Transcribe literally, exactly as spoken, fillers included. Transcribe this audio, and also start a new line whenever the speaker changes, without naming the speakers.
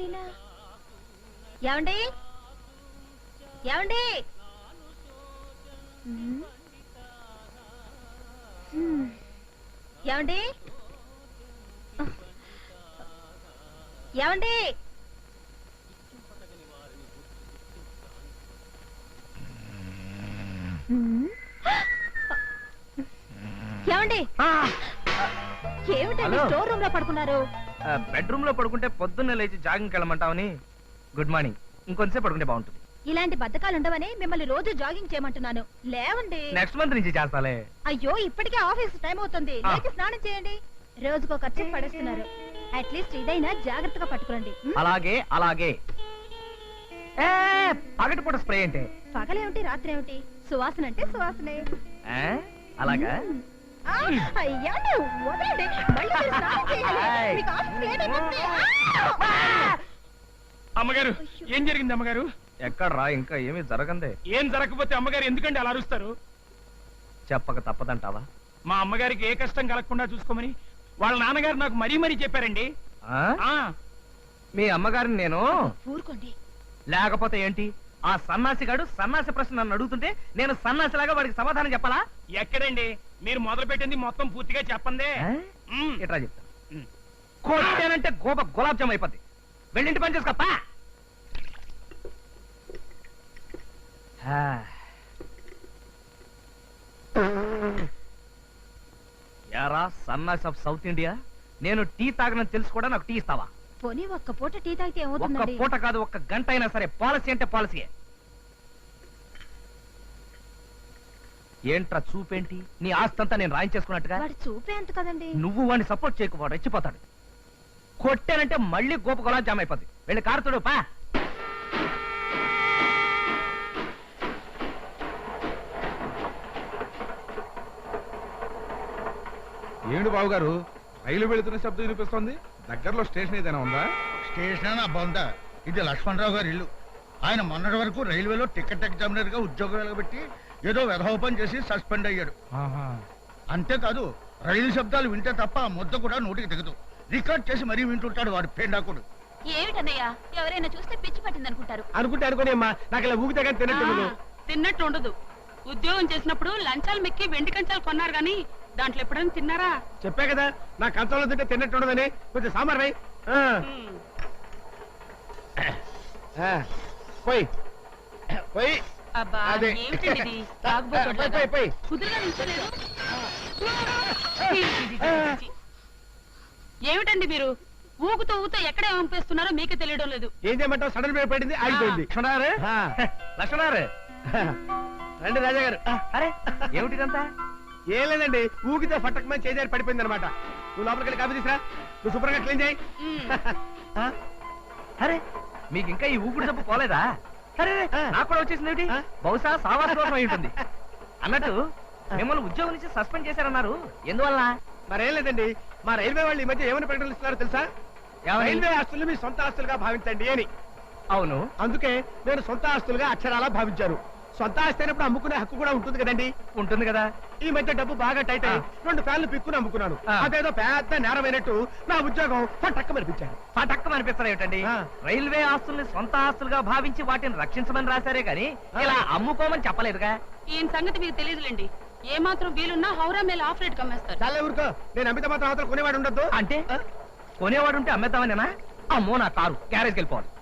ఈయన ఏమండి ఏమండి ఏమండి ఏమండి ఏమండి ఏమిటండి స్టోర్ రూమ్ లో పడుకున్నారు?
బెడ్రూమ్ లో పడుకుంటే పొద్దున్నే లేచి జాగింగ్కి వెళ్ళమంటావని. Good morning. ఇంకొంచెం పడుకుంటే బాగుంటుంది.
ఇలాంటి బద్ధకాలు ఉండవని మిమ్మల్ని రోజు జాగింగ్ చేయమంటున్నాను. లేవండి.
నెక్స్ట్ మంత్ నుంచి చేస్తాలే.
అయ్యో ఇప్పటికే ఆఫీస్ టైం అవుతుంది. లేచి స్నానం చేయండి. రోజుకో ఖర్చు పడేస్తున్నారు. అట్లీస్ట్ ఇదైనా జాగ్రత్తగా పట్టుకోండి.
అలాగే అలాగే. పగటిపూట స్ప్రే అంటే
పగలేమిటి రాత్రి ఏమిటి? సువాసన అంటే సువాసనే.
అలాగా?
అయ్యా వదలండి. మళ్ళీ స్నానం చేయాలి. మీకు ఆఫీస్ లేట్ అయిపోతుంది.
అమ్మగారు ఏం జరిగింది అమ్మగారు?
ఎక్కడ్రా ఇంకా ఏమీ జరగందే.
ఏం జరగకపోతే అమ్మగారు ఎందుకంటే అలా అరుస్తారు?
చెప్పక తప్పదంటావా?
మా అమ్మగారికి ఏ కష్టం కలగకుండా చూసుకోమని వాళ్ళ నాన్నగారు నాకు మరీ మరీ చెప్పారండి.
మీ అమ్మగారిని నేను
ఊరుకోండి.
లేకపోతే ఏంటి? ఆ సన్నాసిగాడు సన్నాసి ప్రశ్న నన్ను అడుగుతుంటే నేను సన్నాసిలాగా వాడికి సమాధానం చెప్పాలా?
ఎక్కడండి మీరు మొదలు పెట్టింది మొత్తం పూర్తిగా చెప్పందే.
ఎట్లా చెప్తా? కొట్టానంటే గోప గులాబ్ జామ్ అయిపోద్ది. వెళ్ళింటి పని చేసుకోపా. యారా సన్నాసి ఆఫ్ సౌత్ ఇండియా, నేను టీ తాగనని తెలుసు కూడా నాకు టీ ఇస్తావా?
పోనీ ఒక్క పూట టీ తాగితే ఏమవుతుంది?
ఒక్క పూట కాదు, ఒక్క గంట అయినా సరే. పాలసీ అంటే పాలసీయే. ఏంట్రా చూపేంటి? నీ ఆస్తంతా నేను రాయించేసుకున్నట్టుగా.
వాడి చూపే అంత కదండి.
నువ్వు వాడిని సపోర్ట్ చేయకు, వాడు రెచ్చిపోతాడు. కొట్టానంటే మళ్ళీ గోప గులాబ్ జామ్ అయిపోద్ది. వెళ్ళి కారుతుడు పా.
ఏమిటి బాబు గారు, రైలు వెళుతున్న శబ్దం వినిపిస్తోంది? దగ్గరలో స్టేషన్ ఏదైనా ఉందా?
స్టేషన్ అబ్బా, ఇది లక్ష్మణరావు గారి ఇల్లు. ఆయన మొన్నటి వరకు రైల్వేలో టికెట్ ఎగ్జామినర్ గా ఉద్యోగం వెలగబెట్టి ఏదో వెధోపం చేసి సస్పెండ్ అయ్యాడు. అంతేకాదు రైలు శబ్దాలు వింటే తప్ప ఆ ముద్ద కూడా నోటికి దిగదు. రికార్డ్ చేసి మరీ వింటుంటాడు వాడు పేండాకుడు.
ఏమిటన్నయ్యా, ఎవరైనా చూస్తే పిచ్చి పట్టింది అనుకుంటారు.
అనుకుంటే అనుకోని అమ్మా, నాకు ఇలా ఊగితే కానీ తిన్నట్టు
తిన్నట్టు ఉండదు. ఉద్యోగం చేసినప్పుడు లంచాలు మెక్కి వెండి కంచాలు కొన్నారు గాని దాంట్లో ఎప్పుడైనా తిన్నారా?
చెప్పా కదా, నా కంచంలో తింటే తిన్నట్టు ఉండదని. కొంచెం సాంబార్ వై. పోయి పోయి
అబ్బా
అదే.
ఏమిటండి ఇది? తాగుబోతులాగా. కుదురుగా నిల్చోలేదు. ఏమిటండి మీరు ఊగుతూ ఊగుతూ ఎక్కడ పంపిస్తున్నారో మీకే తెలియడం లేదు.
ఏం చేయమంటావు? సడన్ బ్రేక్ పడింది, ఆగిపోయింది.
లక్ష్మణారు లక్ష్మణారు
రండి రాజా గారు.
అరే ఏమిటిదంతా?
ఏం లేదండి, ఊగితే ఫట్టకమని చేజారి పడిపోయింది అనమాట. నువ్వు లోపలికి వెళ్ళి కాఫీ తీసురా. నువ్వు శుభ్రంగా క్లీన్ చేయి.
అరే మీకు ఇంకా ఈ ఊపిరి జబ్బు పోలేదా? అరే నాకు కూడా వచ్చేసింది ఏమిటి? బహుశా సావాస దోషం అయి ఉంటుంది. అన్నట్టు మిమ్మల్ని ఉద్యోగం నుంచి సస్పెండ్ చేశారన్నారు, ఎందువల్ల?
మరేం లేదండి, మా రైల్వే వాళ్ళు ఈ మధ్య ఏమని ప్రకటనలు ఇస్తున్నారో తెలుసా? రైల్వే ఆస్తులు మీ సొంత ఆస్తులుగా భావించండి అని.
అవును,
అందుకే నేను సొంత ఆస్తులుగా అక్షరాలా భావించారు. సొంత ఆస్తి అయినప్పుడు అమ్ముకునే హక్కు కూడా ఉంటుంది కదండి.
ఉంటుంది కదా.
ఈ మధ్య డబ్బు బాగా టైట్ అయ్యి రెండు ఫ్యాన్లు పిక్కుని అమ్ముకున్నాను. అదేదో పెద్ద నేరమైనట్టు నా ఉద్యోగం పటక్క మనిపించాను.
పటక్క మనిపిస్తారు ఏమిటండి? రైల్వే ఆస్తుల్ని సొంత ఆస్తులుగా భావించి వాటిని రక్షించమని రాశారే గాని ఇలా అమ్ముకోమని చెప్పలేదుగా.
ఈయన సంగతి మీకు తెలియదులేండి. ఏ మాత్రం వీలున్నా హౌరా మేల ఆఫ్ రేట్ కమ్మేస్తారు.
చాలా ఊరుకో, నేను అమిత మాత్రం అవతల కొనేవాడు ఉండద్దు.
అంటే కొనేవాడు ఉంటే అమ్మేద్దామనేనా? అమ్మో నా కారు గ్యారేజ్కి వెళ్ళిపోవాలి.